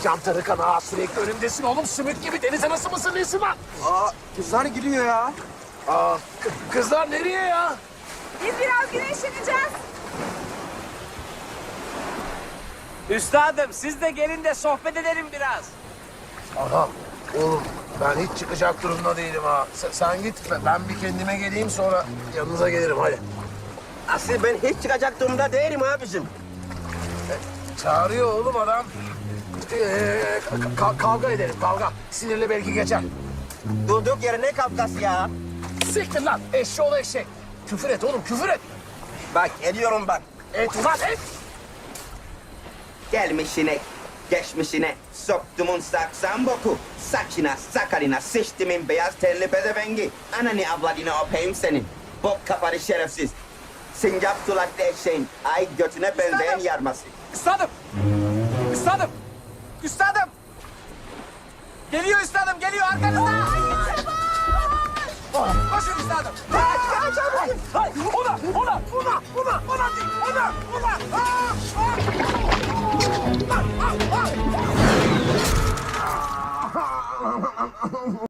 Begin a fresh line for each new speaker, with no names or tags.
Çıldıracağım Tarıkan ağa, sürekli önümdesin oğlum. Sümük gibi deniz anası mısın, nesi var?
Aa, kızlar gülüyor ya.
Aa, kızlar nereye ya?
Biz biraz güneşleneceğiz.
Üstadım siz de gelin de sohbet edelim biraz.
Aha, oğlum ben hiç çıkacak durumda değilim ha. Sen git, ben bir kendime geleyim sonra yanınıza gelirim hadi.
Asıl ben hiç çıkacak durumda değilim abicim.
Çağırıyor oğlum adam. Kavga edelim, kavga. Sinirli belki geçer.
Durduk yere ne kavgası ya?
Siktir lan, eşşoğlu eşek. Küfür et oğlum, küfür et.
Bak ediyorum bak.
Et ulan et.
Gelmişine, geçmişine, soktumun saksan boku. Saçına, sakalına, sıçtimin beyaz tenli pezevengi. Ananı avladını öpeyim senin. Bok kafanı şerefsiz. Sincap sulaklı eşeğin, ay götüne benzeyen yarması.
Üstadım! Üstadım! Üstadım! Geliyor üstadım, geliyor arkanızda! Koşun üstadım!
Ona değil, ona.